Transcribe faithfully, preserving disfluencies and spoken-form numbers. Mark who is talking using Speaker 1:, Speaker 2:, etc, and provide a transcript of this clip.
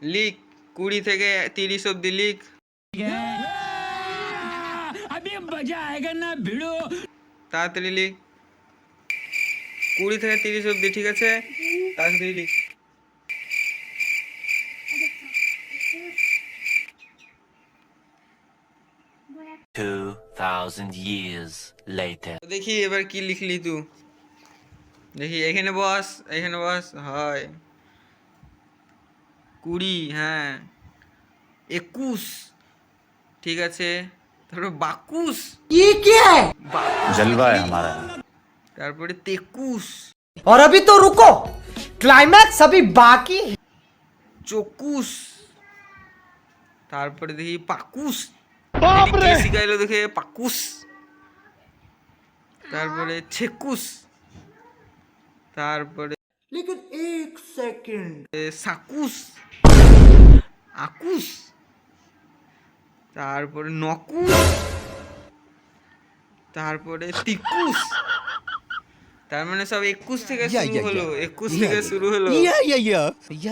Speaker 1: লিখ, কুড়ি থেকে তিরিশ অব্দি লিখ। তাড়াতাড়ি লিখ, কুড়ি থেকে তিরিশ অব্দি, ঠিক আছে? তাড়াতাড়ি লিখ।
Speaker 2: two thousand years later.
Speaker 1: দেখি এবার কি লিখলি তুই, দেখি। এখানে বস, এখানে বস। হয় কুড়ি, হ্যাঁ। একুশ, ঠিক আছে। তারপরে বাকুশ,
Speaker 3: जलवा है हमारा।
Speaker 1: তারপরে তেকুশ,
Speaker 4: और अभी तो रुको, क्लाइमैक्स अभी बाकी है।
Speaker 1: চকুশ, তারপরে দেখি পাকুশ। কে শিখাইলো দেখে? পাকুশ। তারপরে ছেকুশ, তারপরে
Speaker 4: लेकिन एक सेकंड,
Speaker 1: সাকুশ, আকুশ, তারপরে নকুশ, তারপরে তিকুশ। তার মানে সব একুশ থেকে শুরু হলো, একুশ থেকে শুরু হলো।